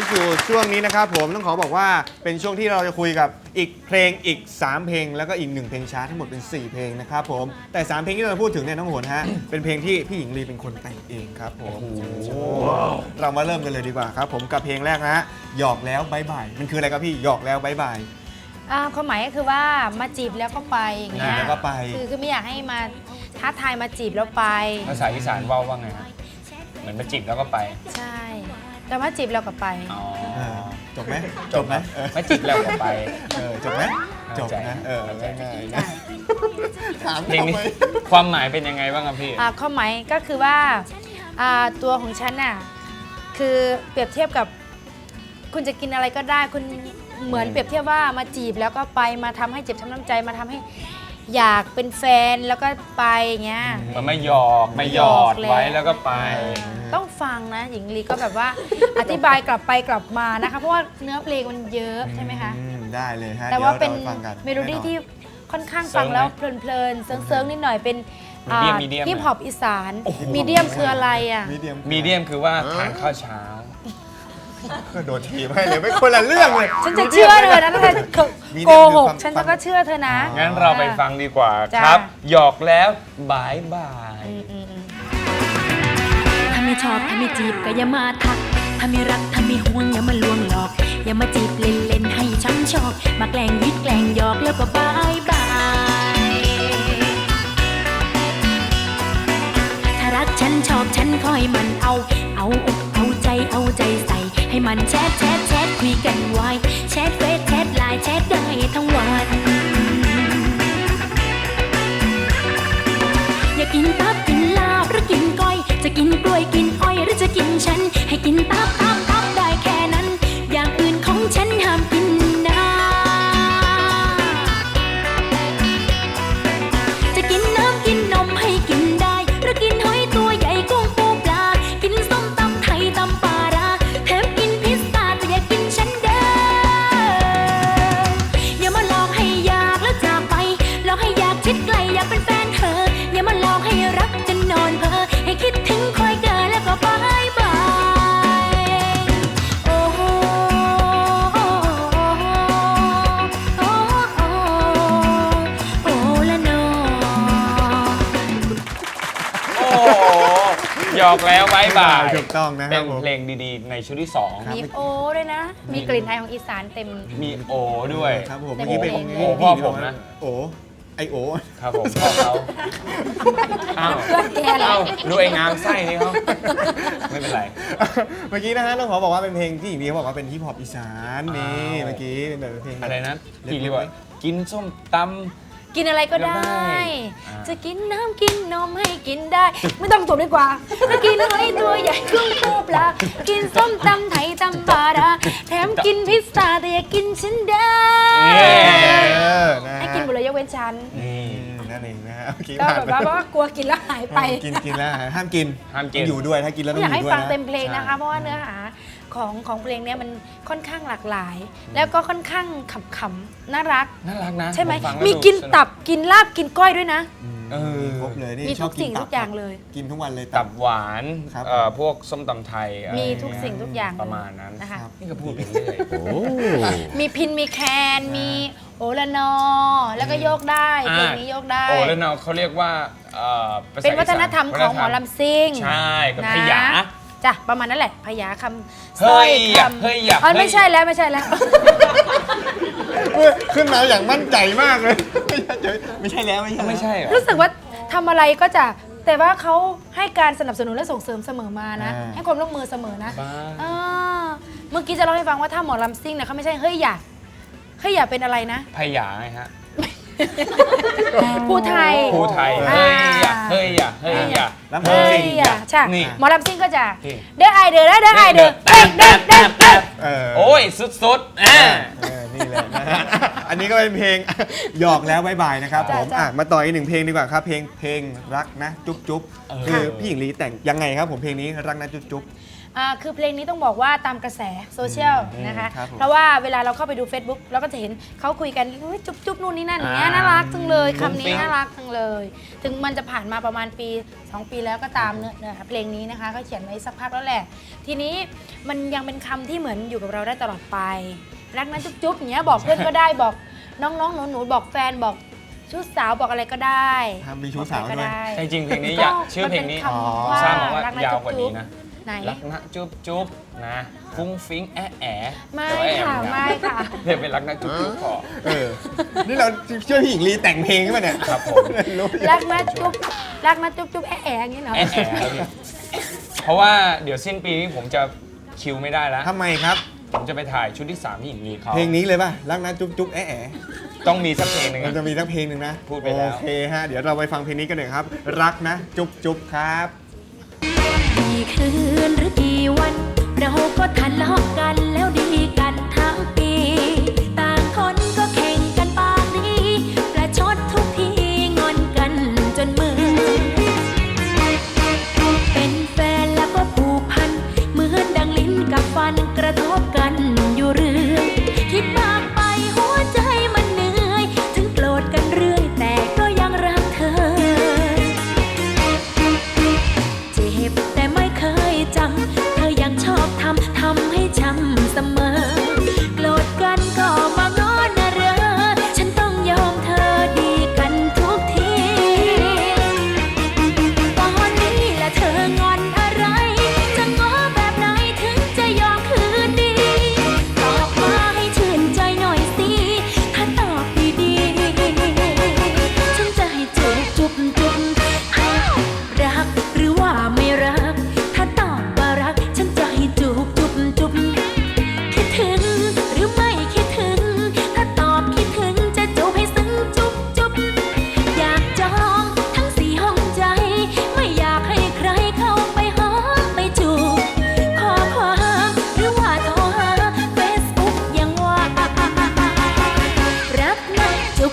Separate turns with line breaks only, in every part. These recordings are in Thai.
สู่ช่วงนี้นะครับผมต้องขอบอกว่าเป็นช่วงที่เราจะคุยกับอีกเพลงอีก3เพลงแล้วก็อีก1เพลงช้าทั้งหมดเป็น4เพลงนะครับผมแต่3เพลงที่เราจะพูดถึงเนี่ยน้องโหนฮะเป็นเพลงที่พี่หญิงลีเป็นคนแต่งเองครับผมเรามาเริ่มกันเลยดีกว่าครับผมกับเพลงแรกนะฮะหยอกแล้วบายบายมันคืออะไรครับพี่หยอกแล้วบายบาย
ความหมายก็คือว่ามาจีบแล้วก็ไปอย่างเงี้ย
แล้วก็ไป
คือไม่อยากให้มาท้าทายมาจีบแล้วไป
ภาษาอีสานว่าไงฮะเหมือนมาจีบแล้วก็ไป
ใช่แต่ว่าจีบแล้วก็ไป
จบไหมจบไหม
ไม่จีบแล้วก็ไป
จบไหมจบนะง่ายๆนะถาม
เพลงนี้ความหมายเป็นยังไงบ้างครับพี่
ความหมายก็คือว่าตัวของฉันน่ะคือเปรียบเทียบกับคุณจะกินอะไรก็ได้คุณเหมือนเปรียบเทียบว่ามาจีบแล้วก็ไปมาทำให้เจ็บช้ำน้ำใจมาทำให้อยากเป็นแฟนแล้วก็ไปอย่างเงี้ย
มันไม่หยอกไม่หยอดไว้แล้วก็ไป
ต้องฟังนะหญิงลีก็แบบว่าอธิบายกลับไปกลับมานะคะเพราะว่าเนื้อเพลงมันเยอะใช่ไหมคะ
ได้เลยฮะ
แต่ว่าเป็นเมโลดี้ที่ค่อนข้างฟังแล้วเพลินๆเซิร์งๆนิดหน่อยเป็นฮิปฮอปอีสานมีเดียมคืออะไรอ่ะ
มีเดียมคือว่าทานข้าวเช้า
ก็โดนทีมให้เลยไม่คนละเรื่องเลย
ฉันจะเชื่อเธอนะถ้าเธอโกหกฉันก็เชื่อเธอนะ
งั้นเราไปฟังดีกว่าครับหยอกแล้วบายบาย
ถ้าไม่ชอบถ้าไม่จีบก็อย่ามาทักถ้าไม่รักถ้าไม่ห่วงอย่ามาลวงหลอกอย่ามาจีบเล่นๆให้ช้ำชอกมาแกล้งยิดแกล้งหยอกแล้วก็บายบายถ้ารักฉันชอบฉันคอยมันเอาอกเอาใจใส่ให้มันแชทคุยกันไว้แชทเฟซแชทไลน์แชทได้ทั้งวันอย่ากินตับกินลาบหรือกินก้อยจะกินกล้วยกินอ้อยหรือจะกินฉันให้กินตับได้แค่นั้นอย่างอื่นของฉันห้ามกินนะจะกินน้ำกินนมให้กินได้หรือกินหอยตัวใหญ่กุ้งปูปลากินส้มตำไทยตำปลาร้าแถมกินพิซซ่าแต่อย่ากินฉันเด้ออย่ามาหลอกให้อยากแล้วจากไปหลอกให้อยากชิดไกลอยากเป็นแฟนเธออย่ามาหลอกให้รักจนนอนเพ้อให้คิดถึงคอยเกินแล้วก็บายบายโอ้โหโอ้ละนอ
หยอกแล้วบายบาย
ถูกต้องนะ
เป็นเพลงดีๆในชุดที่2
มีโอด้วยนะมีกลิ่นไอของอีสานเต็ม
มีโอด้วย
ครับผมเมื่อกี้เป็น
โอพ่อผมนะ
โอไอโอ
ครับผมพ่อเขาอ้าวดูไอ้งามไส้นี่เขาไม่เป็นไร
เมื่อกี้นะฮะต้องขอบอกว่าเป็นเพลงที่หญิงลีเขาบอกว่าเป็นฮิปฮอปอีสานนี่เมื่อกี้เป็นแบบเพลง
อะไรนะพี่เรียกว่ากินส้มตำ
กินอะไรก็ได้จะกินน้ำกินนมให้กินได้ไม่ต้องจบดีกว่าจะกินหอยตัวใหญ่กุ้งปูปลากินส้มตำไทยตำปลาร้าแถมกินพิซซ่าแต่อย่ากินฉันได้ให้กินหมดเลยยกเว้นฉัน
นั่นเองนะฮะ
ก็แบบว่ากลัวกินแล้วหายไป
กินแล้วห้ามกินอยู่ด้วยถ้ากินแล้วต้องอยู่ด้วย
อยากให้ฟังเต็มเพลงนะคะเพราะว่าเนื้อหาของเพลงนี้มันค่อนข้างหลากหลาย แล้วก็ค่อนข้างขำๆน่ารัก
นะ
ใช่ไหมมีกินตับกินลาบกินก้อยด้วยนะ
ครบเลยนี่
มีทุกสิ่งทุกอย่างเลย
กินทุกวันเลย
ตับหวานพวกส้มตำไทย
มีทุกสิ่งทุกอย่าง
ประมาณนั้น
นะคะ
นี่ก็พูดไปเรื่อย
มีพินมีแคนมีโอละนอแล้วก็โยกได้เพลงนี้โยกได้
โอละนอเขาเรียกว่า
เป็นวัฒนธรรมของหมอลำซิ่ง
ใช่กับพยา
จ้ะประมาณนั้นแหละพยาคำ
เฮ้ย
ไม่ใช่แล้ว
ขึ้นมาอย่างมั่นใจมากเลยไม่ใช่แล้ว
รู้สึกว่าทำอะไรก็จะแต่ว่าเขาให้การสนับสนุนและส่งเสริมเสมอมานะให้ความร่วมมือเสมอนะเมื่อกี้จะเล่าให้ฟังว่าถ้าหมอลำซิ่งเนี่ยเขาไม่ใช่เฮ้ยอย่าเป็นอะไรนะ
พยาไงฮะ
ผู้ไทย
เฮ้ยอย่าลำซิ่ง
ใช่หมอลำซิ่งก็จะเด้อไอเด้อเด้อไอเด้อ
โอ้ยสุด
นี่แหละนะฮะอันนี้ก็เป็นเพลงหยอกแล้วบายบายนะครับผมมาต่ออีก1เพลงดีกว่าครับเพลงรักนะจุ๊บคือพี่หญิงลีแต่งยังไงครับผมเพลงนี้รักนะจุ๊บ
คือเพลงนี้ต้องบอกว่าตามกระแสโซเชียลนะคะ
ครับผม
เพราะว่าเวลาเราเข้าไปดู Facebook เราก็จะเห็นเขาคุยกันอุ๊ยจุ๊บนู่นนี่นั่นอย่างเงี้ยน่ารักจังเลยคำนี้น่ารักจังเลย ถึงมันจะผ่านมาประมาณปี 2 ปีแล้วก็ตามเนื้อเพลงนี้นะคะเขาเขียนไว้สักพักแล้วแหละ ทีนี้มันยังเป็นคำที่เหมือนอยู่กับเราได้ตลอดไปรักนะจุ๊บอย่างเงี้ยบอกเพื่อนก็ได้บอกน้องๆหนูๆบอกแฟนบอกชู้สาวบอกอะไรก็ได้
มีชู้สาวด้วย
จริงๆเพลงนี้อยากชื่อเพลงนี้
มันเป็นคำว่า
ทราบมาว่า
รักนะ
ยาวกว่านี้นะ
ไหน
รักนะจุ๊บจุ๊บนะฟุ้งฟิ้งแอะแอะ
ไม่ค่ะไม่ค่ะ
เดี๋ยวเป็นรักนะจุ๊บจุ๊บพอ
นี่เราช่วยพี่หญิงลีแต่งเพลงขึ้นมาเนี่ย
ครับผม
รักนะจุ๊บแอะแอะอย่างนี้เหรอ
แอะแอะครับพี่เพราะว่าเดี๋ยวสิ้นปีนี้ผมจะคิวไม่ได้แล้ว
ทำไมครับ
ผมจะไปถ่ายชุดที่ 3 ที่หญิงลีเขา
เพลงนี้เลยป่ะรักนะจุ๊บแอะแอะ
ต้องมีสักเพลงหนึ่ง
มัน
อะ
จะมีทั้งเพลงหนึ่งนะ
พูดไปแล้ว
โอเคฮะเดี๋ยวเราไปฟังเพลงนี้กันหน่อยครับ รักนะจุ๊บครับ
กี่คืนหรือกี่วัน เราก็ทะเลาะกันแล้วดีกันทั้งปี ต่างคนก็แข่งกันปากดีประชดทุกทีงอนกันจนมือ เป็นแฟนแล้วก็ผูกพันเหมือนดังลิ้นกับฟันกระทบกันอยู่เรื่อยคิดมากไปหัวใจมันเหนื่อย ถึงโกรธกันเรื่อยแต่ก็ยังรักเธอ เจ็บแต่ไม่เคยจำเธอยังชอบทำให้ช้ำเสมอ โกรธกันก็มาง้อนะเรอฉันต้องยอมเธอดีกันทุกที ตอนนี้แหละเธองอนอะไร จะง้อแบบไหนถึงจะยอมคืนดี ตอบมาให้ชื่นใจหน่อยสิ ถ้าตอบดีๆฉันจะให้จุ๊บอ้าวรักหรือว่าไม่รัก ถ้าตอบว่ารักฉันจะให้จุ๊บคิดถึงหรือไม่คิดถึง ถ้าตอบคิดถึงจะจูบให้ซึ้งจุ๊บอยากจองทั้ง4 ห้องใจ ไม่อยากให้ใครเข้าไปหอมไปจูบขอความหรือว่าโทรหา Facebook ยังว่ารักนะจุ๊บ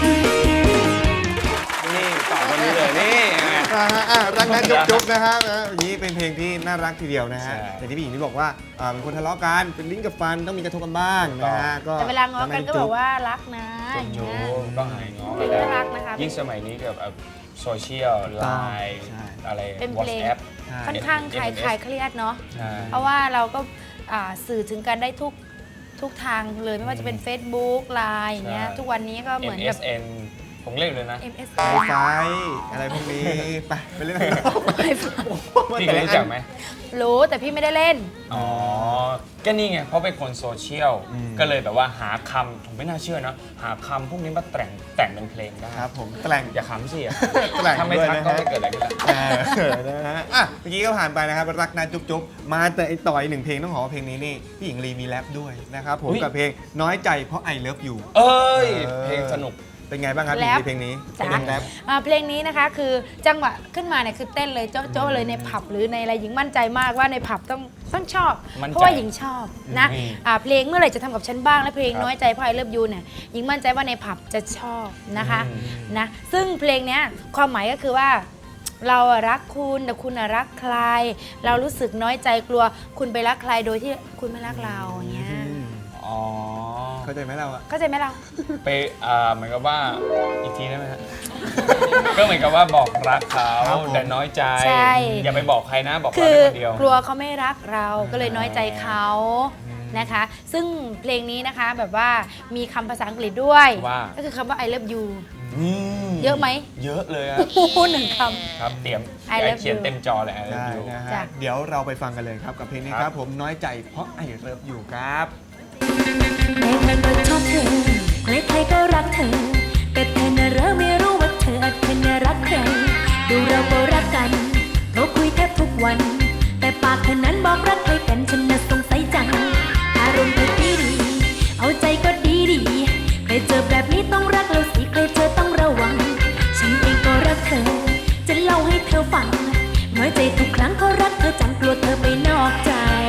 นี่ต่อคนนี้เลยนี่ไง
รักนะจุ๊บนะฮะอย่างนี้เป็นเพลงที่น่ารักทีเดียวนะฮะ
ใช่
แต่ที่พี่หญิงที่บอกว่าเป็นคนทะเลาะกันเป็นลิ้นกับฟันต้องมีกระทบกันบ้างนะฮะก็
แต่เวลาง้อกันก็บอกว่ารักนะอย่าง
จุ๊
เงี้ย
บก็หายง้อ
เพลงน่ารักนะคะ
ยิ่งสมัยนี้กับโซเชียลไลน์
ใช่
อะไร
เป็นเพลง
WhatsApp
ค่อนข้างคลายเครียดเนาะ
ใช่
เพราะว่าเราก็สื่อถึงกันได้ทุกทางเลยไม่ว่าจะเป็น Facebook ไลน์อย่างเงี้ย
ใช่
ทุกวันนี้ก็เหมือนแบบ
MSN ผมเล่นเลยนะ
MSN
ไฟไฟอะไรพวกนี้ไปเล่นอะไรกัน
พี่เคยรู้จักไหม
รู้แต่พี่ไม่ได้เล่น
อ๋อ ก็นี่ไง เพราะเป็นคนโซเชียล ก็เลยแบบว่าหาคำผมไม่น่าเชื่อนะ หาคำพวกนี้มาแต่งเป็นเพลงได้
ครับผมแกล้ง
อย่าขำสิอะ
แกล้ง
ถ้าไม่
ด้วย
ทัก
นะ
ก็
ฮะ
ไม่เกิดอะไรขึ้นละ
นะฮะเมื่อกี้ก็ผ่านไปนะครับรักนะจุ๊บมาแต่ต่ออีกหนึ่งเพลงต้องขอว่าเพลงนี้นี่พี่หญิงลีมีแรปด้วยนะครับผมกับเพลงน้อยใจเพราะ I love you
เอ้ย เพลงสนุก
เป็นไงบ้างครับ
แรป
เพลงนี้
จ้ะ
เพลงแรป
เพลงนี้นะคะคือจังหวะขึ้นมาเนี่ยคือเต้นเลยโจ๊ะๆเลยในผับหรือในอะไรหญิงมั่นใจมากว่าในผับต้องชอบ
มั่นใจ
เพราะว่าหญิงชอบนะ
อืม
เพลงเมื่อไหร่จะทำกับฉันบ้างและเพลง
ครับ
น้อยใจเพราะไอเลิฟยูเนี่ยหญิงมั่นใจว่าในผับจะชอบนะคะ
อืม
นะซึ่งเพลงเนี้ยความหมายก็คือว่า เราอะรักคุณแต่คุณอะรักใคร เรารู้สึกน้อยใจกลัวคุณไปรักใครโดยที่คุณไม่รักเราอย่างเงี้ย
อ๋อ
เข้าใจไหมเราอะ
เข้าใจไหมเรา
ไปเหมือนกับว่าอีกทีได้ไหมฮะ ก็เหมือนกับว่าบอกรักเขาแต่น้อยใจ
ใช่
อย่าไปบอกใครนะ บอกเรา
คือ
ได้คนเดียว
กลัวเขาไม่รักเราก็เลยน้อยใจเขานะคะ ซึ่งเพลงนี้นะคะแบบว่ามีคำภาษาอังกฤษด้วย
ว่า
ก็คือคำว่า I love you
ม
เยอะไหม
เยอะเลยอะ
โอ้โหหนึ่งค
ครับเตรียม
I love
เขียน
you
เต็มจอเลย I
ได้
love you
นะ
จ้ะ
ฮะเดี๋ยวเราไปฟังกันเลยครับกับเพลงนี้ครับผมน้อยใจเพราะ I love you ครับ
ใครๆก็ชอบเธอใครๆก็รักเธอ แต่เธอน่ะเริ่มไม่รู้ว่าเธอน่ะรักใคร ดูเราก็รักกันเพราะคุยแทบทุกวัน แต่ปากเธอนั้นบอกรักใครกันฉันน่ะสงสัยจัง อารมณ์เธอดีเอาใจก็ดีใครเจอแบบนี้ต้องรักเราสิใครเจอต้องระวัง ฉันเองก็รักเธอ จะเล่าให้เธอฟัง น้อยใจทุกครั้งก็รักเธอจังกลัวเธอไปนอกใจ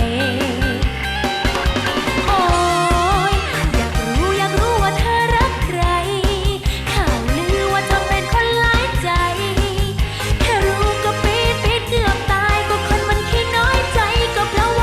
โอ๊ยอยากรู้ว่าเธอรักใคร ข่าวลือว่าเธอเป็นคนหลายใจ แค่รู้ก็ปี๊ดเกือบตายก็คนมันขี้น้อยใจก็เพราะ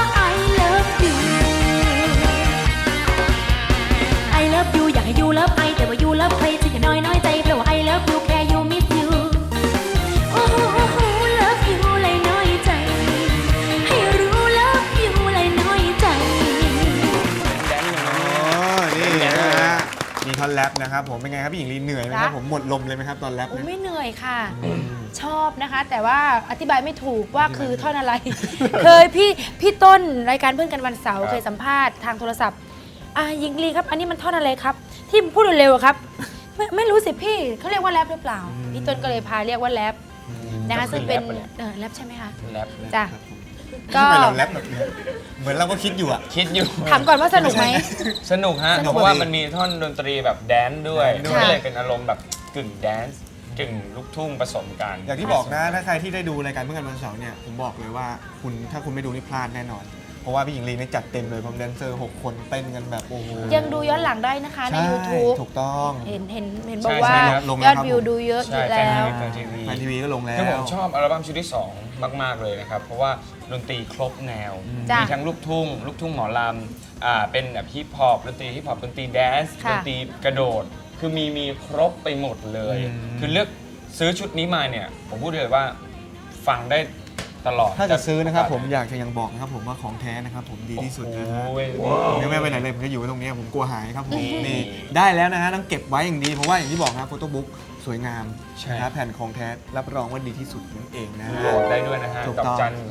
ท่อนแรปนะครับผมเป็นไงครับพี่หญิงลีเหนื่อยไหมครับ
จ๊ะ
ผมหมดลมเลยไหมครับตอนแรป
โอ้
เนี่ย
ไม่เหนื่อยค่ะ
อืม
ชอบนะคะ แต่ว่าอธิบายไม่ถูกว่าคือท่อนอะไร เคยพี่ต้นรายการเพื่อนกันวันเสาร์เคยสัมภาษณ์ทางโทรศัพท์หญิงลีครับ อันนี้มันท่อนอะไรครับ ที่พูดเร็วๆอะครับ ไม่รู้สิพี่เขาเรียกว่าแรปหรือเปล่า พี่ต้นก็เลยพาเรียกว่าแรปนะคะซึ่งเป็นแรปใช่ไหมคะ
แรป
จ้ะ
ครับผม
ก็
ทำไมเราแรปแบบนี้เหมือนเราก็คิดอยู่อะ
คิดอยู่
ถามก่อนว่าสนุกไหม
สนุกฮะ
สนุก
เพราะว่ามันมีท่อนดนตรีแบบแดนซ์ด้วย
ค่ะ
ก็เลยเป็นอารมณ์แบบกึ่งแดนซ์กึ่งลูกทุ่งผสมกัน
อย่างที่บอกนะถ้าใครที่ได้ดูรายการเพื่อนกันวันเสาร์เนี่ยผมบอกเลยว่าถ้าคุณไม่ดูนี่พลาดแน่นอน เพราะว่าพี่หญิงลีเนี่ยจัดเต็มเลยพร้อมแดนเซอร์6 คนเต้นกันแบบโอ้โห
ยังดูย้อนหลังได้นะคะใน
ใช่
YouTube
ถูกต้อง
เห็นบอกว่า
ใช่ครับลง
ย
แล้
อ
ว
ด
ครับ
วิวดูเยอะอ
ใช่
ยู่
แฟน
แล้ว
แฟนทีวี
แฟนทีวีก็ลงแล้ว
คือผมชอบอัลบั้มชุดที่ 2 มาก ๆ เลยนะครับ เพราะว่าดนตรีครบแนว
จ้ะ
มีทั้งลูกทุ่งหมอลำเป็นแบบฮิปฮอปดนตรีฮิปฮอปดนตรีแดนซ์
ค่ะ
ดนตรีกระโดด คือมีครบไปหมดเลย คือเลือกซื้อชุดนี้มาเนี่ย ผมพูดเลยว่าฟังได้ตลอด
ถ้าจะซื้อนะครับผมอยากจะยังบอกนะครับผมว่าของแท้นะครับผมดีที่สุดนะฮะ
โอ้ย
ผมยังไม่ไปไหนเลยผมจะอยู่ไว้ตรงนี้ผมกลัวหายครับผม
นี่
นี่ได้แล้วนะฮะต้องเก็บไว้อย่างดีเพราะว่าอย่างที่บอกนะโฟโต้บุ๊กสวยงาม
ใช่
นะครับแผ่นของแท้รับรองว่าดีที่สุดนั่นเองนะฮะ
โหลดได้ด้วยนะฮะ
ถูก
ดอ
ต้
ก
อง
จัน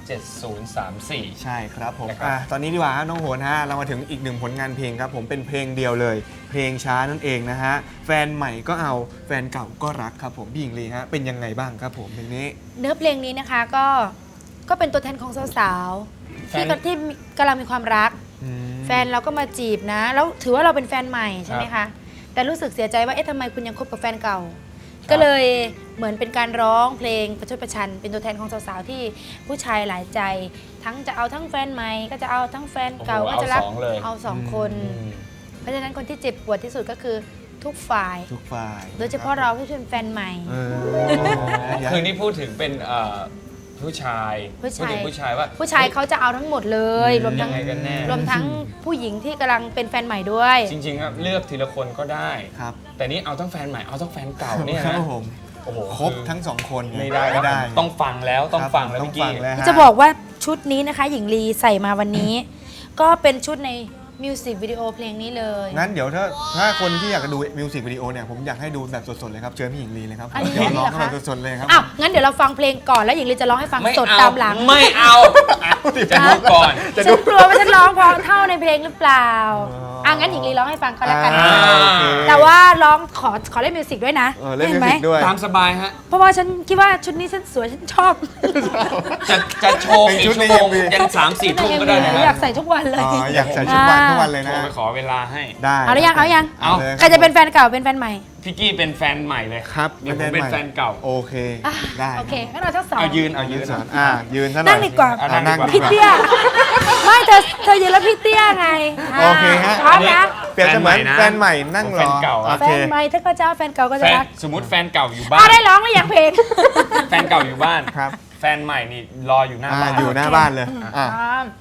1237034
ใช่ครับผม
นะครับ
ตอนนี้ดีกว่าฮะน้องโหนฮะเรามาถึงอีกหนึ่งผลงานเพลงครับผมเป็นเพลงเดียวเลย เพลงช้านั่นเองนะฮะแฟนใหม่ก็เอาแฟนเก่าก็รักครับผมพี่หญิงลีฮะเป็นยังไงบ้างครับผมเพลงนี้
เนื้อเพลงนี้นะคะก็เป็นตัวแทนของสาวๆที่กำลังมีความรัก แฟนเราก็มาจีบนะ แล้วถือว่าเราเป็นแฟนใหม่ใช่ไหมคะ แต่รู้สึกเสียใจว่าเอ๊ะทำไมคุณยังคบกับแฟนเก่า ก็เลยเหมือนเป็นการร้องเพลงประชดประชัน เป็นตัวแทนของสาวๆที่ผู้ชายหลายใจ ทั้งจะเอาทั้งแฟนใหม่ก็จะเอาทั้งแฟนเก่า
โอ้โห
ก็จะรัก
เอาสองเลย
เอาสองคน เพราะฉะนั้นคนที่เจ็บปวดที่สุดก็คือทุกฝ่าย
ทุกฝ่าย
โดยเฉพาะเราที่เป็นแฟนใหม่
เออ
คือนี่พูดถึงเป็นผู้ชาย
ผู้ชาย
พูดถึงผู้ชายว่า
ผู้ชายเขาจะเอาทั้งหมดเลยรวมทั้ง
ยังไงกันแน่
รวมทั้งผู้หญิงที่กำลังเป็นแฟนใหม่ด้วย
จริงๆครับเลือกทีละคนก็ได้
ครับ
แต่นี่เอาทั้งแฟนใหม่เอาทั้งแฟนเก่าเนี่ย
ครั
นะ
บผม
โอ้โห
ครบทั้งสองคน
ไม่ได้
ไม่ได้
ต้องฟังแล้วต้องฟังแล้ว
ต้อง
พี่
ฟั
กี้
งแล้วฮ
จะบอกว่าชุดนี้นะคะ หญิงลีใส่มาวันนี้ ก็เป็นชุดในมิวสิกวิดีโอเพลงนี้เลย
งั้นเดี๋ยวถ้าคนที่อยากจะดูมิวสิกวิดีโอเนี่ยผมอยากให้ดูแบบสดๆเลยครับเชิญพี่หญิงลีเลยครับ
อันนี้
เดี๋ยวร้อง
เหรอคะ
แบบสดๆเลยครับ
อ้าวงั้นเดี๋ยวเราฟังเพลงก่อนแล้วหญิงลีจะร้องให้ฟัง
ไม่
สด
เอา
ตามหลัง
ไม่เอาจะดูก่อน
ฉันกลัวว่าฉันร้องเพราะเท่าในเพลงหรือเปล่างั้นหญิงลีร้องให้ฟังก็แล้วกัน
อ่า โอเค
แต่ว่าร้องขอเล่นมิวสิกด้วยนะ
เล่นมิว
ไหม
สิกด้วย
ตามสบายฮะ
เพราะว่าฉันคิดว่าชุดนี้ฉันสวยฉันชอบ
จะโชว์
เป็น
อีก
ชุด
ชั่ว
ใน
โมง
MV
ยัน3-4 ทุ่มก็ได้นะ
อยาก
ฮะ
ใส่ทุกวันเลย
อ๋ออยากใส่ชุดวันทุกวันเลย
โท
นะ
รไปขอเวลาให้
ได้
เอาหรือยังเอายัง
เอา
ลย
ใครจะเป็นแฟนเก่าเป็นแฟนใหม่
พี่กี้เป็นแฟนใหม่เลย
ครับ
เดี๋ยวผมเป็นแฟนเก่า
โอเคได้
โอเคงั้นเราทั้งสอง
เอายืน
ยืน
นะ
สอนยืนซะหน่อย
นั่งดีกว่า
อ่ะนั่งดีกว่า
พี่เตี้ย ไม่เธอยืนแล้วพี่เตี้ยไง
โอเคฮะ
พร้อมนะ
เปรียบเสมือนแฟนใหม่นั่งรอ
แฟนเก่า
โอ
แฟ
เคน
ใหม่ถ้าก็จะเอาแฟนเก่าก็
แฟ
จะ
น
รัก
สมมติแฟนเก่าอยู่บ้า
เอา
น
ได้ร้องหรือยังเพลง
แฟนเก่าอยู่บ้าน
ครับ
แฟนใหม่นี่รออยู่หน้าบ้าน
อยู่หน้าบ้านเลยอ่ะ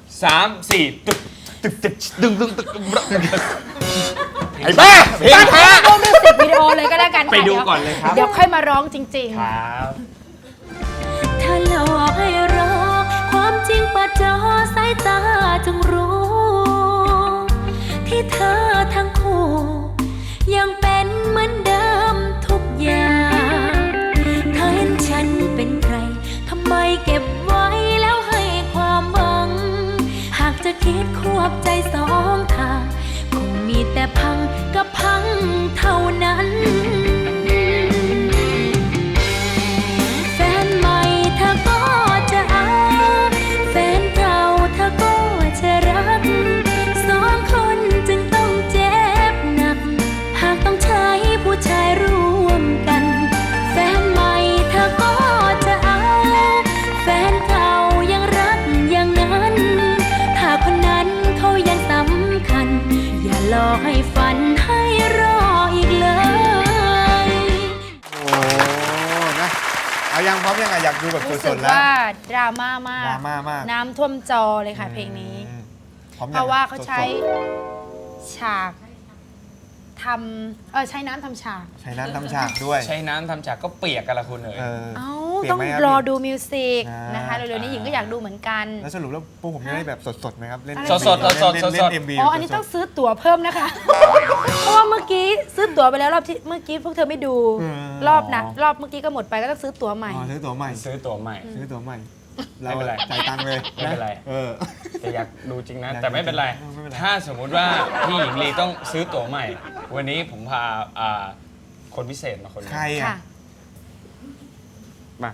3-4 ตึกตึกตึกดึงดึงตึก
ไอ้บ้าเพลงแท้
ดูมิวสิกวิดีโอเลยก็แล้วกันค่ะ
ไปดูก่อนเลยครับ
เดี๋ยวค่อยมาร้องจริง
ครับ
เธอหลอกให้รอ ความจริงเปิดจอสายตาจงรู้ ที่เธอทั้งคู่ ยังเป็นเหมือนเดิมทุกอย่างเธอเห็นฉันเป็นใคร ทำไมเก็บไว้แล้วให้ความหวัง หากจะคิดควบใจสองทาง คงมีแต่พังกับพังเท่านั้น แฟนใหม่เธอก็จะเอา แฟนเก่าเธอก็จะรัก สองคนจึงต้องเจ็บหนัก หากต้องใช้ผู้ชายร่วมกัน แฟนใหม่เธอก็จะเอา แฟนเก่ายังรักอย่างนั้น ถ้าคนนั้นเขายังสำคัญ อย่ารอให้ฝันให้รออีกเลย
โอ้นะเอายังพร้อมยังไงอยากดูแบบ
ๆ รู้
ส
สึ
ด
ก
ๆแล้ว
ว่าดราม่ามาก
ดราม่ามาก
น้ำท่วมจอเลยค่ะเพลงนี้
พร้อมยัง
เพราะว่าเขาใช้
สด
ฉากใช้น้ำทำฉาก
ๆใช้น้ำทำฉากด้วย
ใช้น้ำทำจากก็เปียกกันละคุณเอ๋ย
เออ
เอ้าต้อง
เปลี่ยนไหมครับ
รอดูมิวสิก
อ่าน
นะคะเร็วๆนี้หญิงก็อยากดูเหมือนกัน
แล้วสรุปแล้วพวกผมจะได้แบบสดๆไหมครับเล่น
อะไร
สดๆ
เล่น
สดๆ
เล่น MV
อ๋ออันนี้ต้องซื้อตั๋วเพิ่มนะคะ เพราะว่าเมื่อกี้ซื้อตั๋วไปแล้วรอบที่เมื่อกี้พวกเธอไม่ดู รอบนะรอบเมื่อกี้ก็หมดไปก็ต้องซื้อตั๋วใหม่
อ๋อซื้อตั๋วใหม่
ซื้อตัวใหม่
ซื้อตั๋วใหม่
ไม่เป็นไร
จ่ายตังค์เลย
ไม่เป็นไร
เออ
แต่อยากดูจริงนะ
อยากดู
แต่ไม่เป็นไร
ไม่เป็นไร
ถ้าสมมุติว่าพี่หญิงลีต้องซื้อตั๋วใหม่ วันนี้ผมพาคนพิเศษมาคนหนึง
ใครอ่ะ
ค่ะ
มา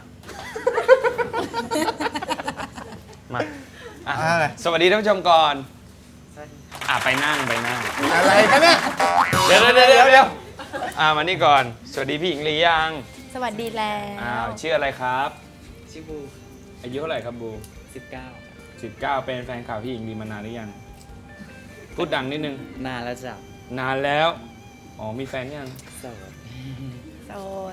มาอ่ะ
อะไร
สวัสดีท่านผู้ชมก่อนไปนั่ง
อะไรกันเนี่ย
เดี๋ยวมานี่ก่อน สวัสดีพี่หญิงลียัง
สวัสดีแล้ว
ชื่ออะไรครับ
ชื่อบู
อายุเท่าไหร่ครับบู
19
19 เป็นแฟนข่าวพี่หญิงลีมานานหรือยัง พูดดังนิดนึง
นานแล้วจ้ะ
นานแล้ว อ๋อ มีแฟนยัง
โสด
โสด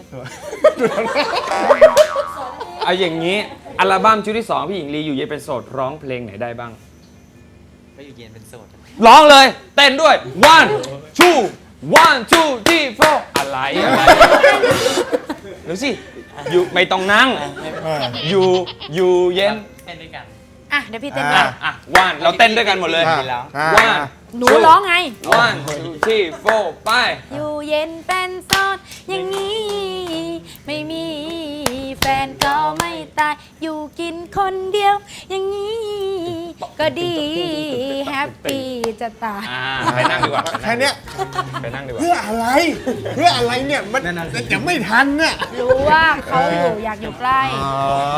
เอาอย่างนี้ อัลบั้มชุดที่ 2 พี่หญิงลีอยู่เย็นเป็นโสดร้องเพลงไหนได้บ้าง
ก็อยู่เย็นเป็นโสด
ร้องเลย เต้นด้วย one two 3 4อะไรเดี๋ยวสิอยู่ไม่ต้องนั่ง อยู่เย็น
เต้นด้วยกัน
อ่ะเดี๋ยวพี่เต้น
อ่ะ
ก่อน
ว่านเราเต้นด้วยกันหมดเลย
อ่ะ
ดีแล้ว
อ่ะ
ว่าน
หนูร้องไง
one two 3 4ไป
อยู่เย็นเป็นโสดอย่างนี้ ไม่มีแฟนก็ไม่ตาย อยู่กินคนเดียว อย่างนี้ ก็ดีแฮปปี้จะตาย
ไปนั่งดีกว่า
แค่เนี้ย
ไปนั่งดีกว่า
เพื่ออะไร เพื่ออะไรเนี่ยมันจะไม่ทันเนี่ย
รู้ว่าเขาอยู่อยากอยู่ใกล้
อ๋อ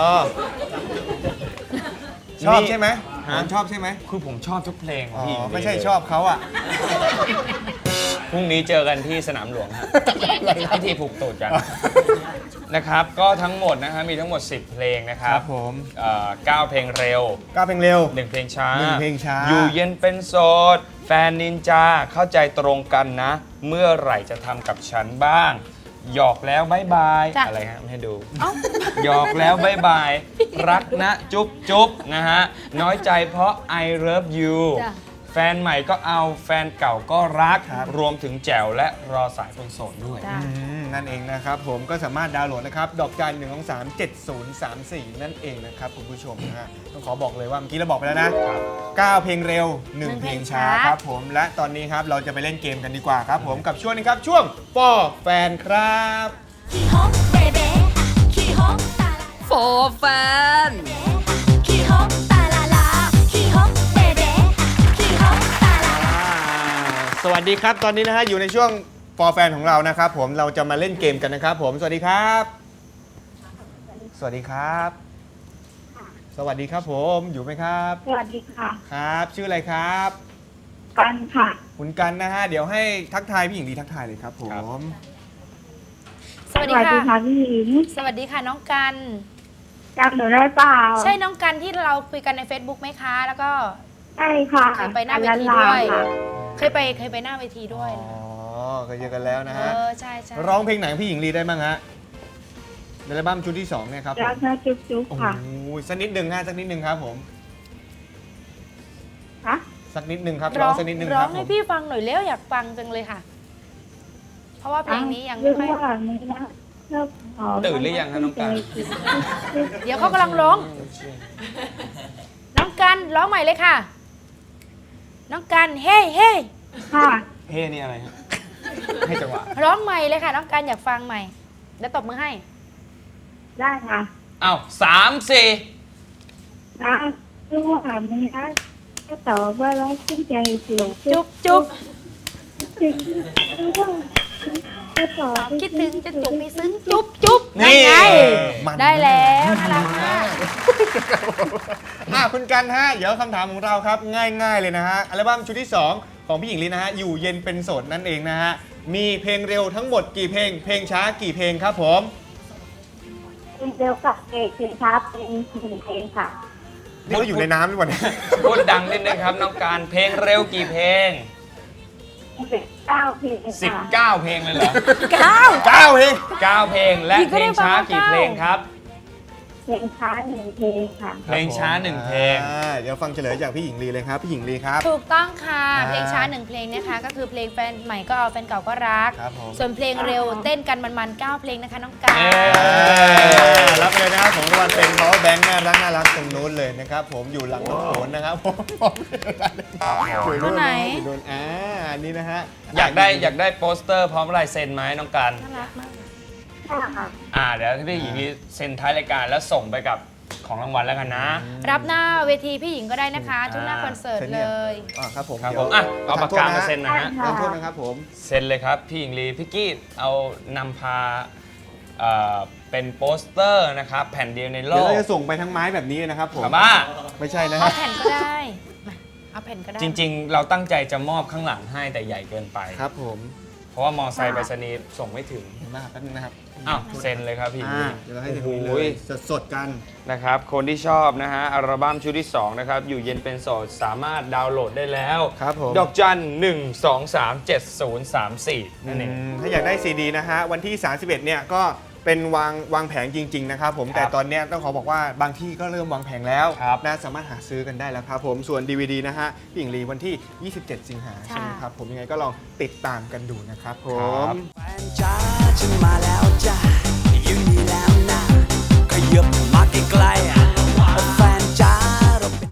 ชอบใช่ไหมผมชอบใช่ไหม
คือผมชอบทุกเพลงของ
อ๋อ
พี่หญิงลี
ไม่ใช่ชอบเขาอ่ะ
พรุ่งนี้เจอกันที่สนามหลวงฮะพิธีผูกตูดกันนะครับ ก็ทั้งหมดนะฮะมีทั้งหมด 10 เพลงนะครั
ครับ บผม
9 เพลงเร็ว
ก้าวเพลงเร็ว
1 เพลงช้า
1 เพลงช้า
อยู่เย็นเป็นโสด แฟนนินจา เข้าใจตรงกันนะ เมื่อไหร่จะทำกับฉันบ้าง หยอกแล้วบายบาย
จ้ะ
อะไรฮะไม่ให้ดู
เอ้า
หยอกแล้วบายบาย รักนะจุ๊บจุ๊บนะฮะ น้อยใจเพราะ I love you
จ้ะ
แฟนใหม่ก็เอาแฟนเก่าก็รัก
ครับ
รวมถึงแจ๋วและรอสายคนโสดด้วย
จ้ะ
นั่นเองนะครับผมก็สามารถดาวน์โหลดนะครับ ดอกจัน1 2 3 7 0 3 4 นั่นเองนะครับคุณผู้ชมนะฮะต้องขอบอกเลยว่าเมื่อกี้เราบอกไปแล้วนะ 9 เพลงเร็ว 1 เพลงช้าครับผมและตอนนี้ครับเราจะไปเล่นเกมกันดีกว่าครับผมกับช่วงนี้ครับช่วงฟอแฟนครับ
ขี้ฮกเบเบ้ขี้ฮกตาลา
โฟแฟน
ขี้ฮกตาลาลาขี้ฮกเบเบ้ขี้ฮกตาลาลา
สวัสดีครับตอนนี้นะฮะอยู่ในช่วงฟอแฟนของเรานะครับผมเราจะมาเล่นเกมกันนะครับผมสวัสดีครับ สวัสดีครับ สวัสดีครับผมอยู่ไหมครับ
สวัสดีค่ะ
ครับ ชื่ออะไรครับ
กันค่ะ
คุณกันนะฮะเดี๋ยวให้ทักทายพี่หญิงดีทักทายเลยครับผม
สวัสดีค่ะ
พี่หญิง
สวัสดีค่ะน้องกัน
จำหนูได้เปล่า
ใช่น้องกันที่เราคุยกันใน Facebook ไหมคะ แล้วก็
ใช่ค่ะ
เคยไปหน้าเวทีด้วย
ค่ะ
เคยไปหน้าเวทีด้วย
อ๋อเคยเจอกันแล้วนะฮะ
ใช่ใช่
ร้องเพลงไหนของพี่หญิงลีได้บ้างฮะในอัลบั้มชุดที่2เนี่ยครับผม
รักนะจุ๊บจุ๊บ
โอ้โห
ค่ะ
สักนิดหนึ่งฮะสักนิดหนึ่งครับผม
ฮะ
สักนิดหนึ่งครับ
ร้
ร้
อ
อง งสักนิดหนึ่ง
ร้
ค
อ
รั
ง
บผ
ให้
ม
พี่ฟังหน่อยเร็วอยากฟังจังเลยค่ะ เพราะว่าเพลงนี้ยังไม่
เรื่
ค่อย
ว่านี้นะเลิกขอ
ตื่นหรือยังคะน้องกัน
เดี๋ยวเขากำลังร้อง น้องกันร้องใหม่เลยค่ะ น้องกันเฮ้เฮ้
ค่ะ
เฮ้นี่อะไรฮะ ให้จังหวะ
ร้องใหม่เลยค่ะ น้องกันอยากฟังใหม่เดี๋ยวตบมือให้
ได้ค่ะ
อ้าว3 4
นะเรื่องว่านี้นะก็ตอบว่ารักขึ้นใจเสียว
จุ๊บจุ๊บ
จริงเรื่องว่าก็ตอบ
คิดถึงจะจุ๊บมีซึ้งจุ๊บจุ๊บ
นี่
ไง
มัน
ได้แล้วน่ารักมาก
คุณกันฮะเดี๋ยวคำถามของเราครับง่ายๆเลยนะฮะอัลบั้มชุดที่ 2 ของพี่หญิงลีนะฮะอยู่เย็นเป็นโสดนั่นเองนะฮะมีเพลงเร็วทั้งหมดกี่เพลง เพลงช้ากี่เพลงครับผม
เร็วกับเพลงช้าเป็นเพลงค่ะ
นี่ก็อยู่ในน้ำด้วยวะเนี่ย
พูดดังนิดนึงครับน้องการ เพลงเร็วกี่เพลง
19เพลงค่ะ
19 เพลงเลยเหรอ
9เพลง
9 เพลงและเพลงช้ากี่เพลงครับ
เพลงช้า1เพลงค่ะ
เพลงช้า1เพลง
เดี๋ยวฟังเฉลยจากพี่หญิงลีเลยครับพี่หญิงลีครับ
ถูกต้องค่ะ
อ่า
เพลงช้า1เพลงนะคะ ก็คือเพลงแฟนใหม่ก็เอาแฟนเก่าก็รัก
ครับผม
ส่วนเพลงเร็วเต้นกันมันๆ9เพลงนะคะน้องกัน
เย้
รับเลยนะผมอยู่หลังน้องโขนนะครับผมอยู่
รุ่นไหน
อยู่นู่นอันนี้นะฮะ
อยากได้โปสเตอร์พร้อมลายเซ็นไหมน้องกัน
น่ารักมาก
ค่ะ
เดี๋ยวพี่หญิงลีเซ็นท้ายรายการแล้วส่งไปกับของรางวัลแล้วกันนะ
รับหน้าเวทีพี่หญิงก็ได้นะคะ ทุกหน้าคอนเสิร์ตเลย
ครับผม
ครับ
ดี๋
ผ
ยว
มเอาปากกามาเซ็นนะฮะ
ขอโทษนะครับผม
เซ็นเลยครับพี่หญิงลีพี่กี้เอานำพาเป็นโปสเตอร์นะครับแผ่นเดียวในโล
เดี๋ยว
ก
เราจะส่งไปทั้งไม้แบบนี้นะครับผม
ครับบ้า
ไม่ใช่นะ
เอา
ฮะ
แผ่นก็ได้มาเอาแผ่นก็ได้
จริงๆ เราตั้งใจจะมอบข้างหลังให้แต่ใหญ่เกินไป
ครับผม
เพราะว่ามอไซค์ไปรษณีย์ส่งไม่ถึง
เดี๋ยวมาแป๊บนึงนะครับ
อ้าวเซ็นเลยครับพี่หญิงลี
เดี๋ยวเราให้ถึงนี้เลยสดๆกัน
นะครับคนที่ชอบนะฮะอัลบั้มชุดที่ 2 นะครับ อยู่เย็นเป็นโสดสามารถดาวน์โหลดได้แล้ว
ครับผม
ดอกจัน 1237034 นั่นเอง
ถ้าอยากได้ซีดีนะฮะวันที่ 31 เนี่ยก็เป็นวางแผงจริง ๆ นะครับผมแต่ตอนเนี้ยต้องขอบอกว่าบางที่ก็เริ่มวางแผงแล้ว
ครับ
นะสามารถหาซื้อกันได้แล้วครับผมส่วน DVD นะฮะพี่หญิงลีวันที่ 27 สิงหา
ค่ะ
ใช่ไหมครับผมยังไงก็ลองติดตามกันดูนะครับผ
ครั
ม
บ
แฟนจ้าฉันมาแล้วจ้า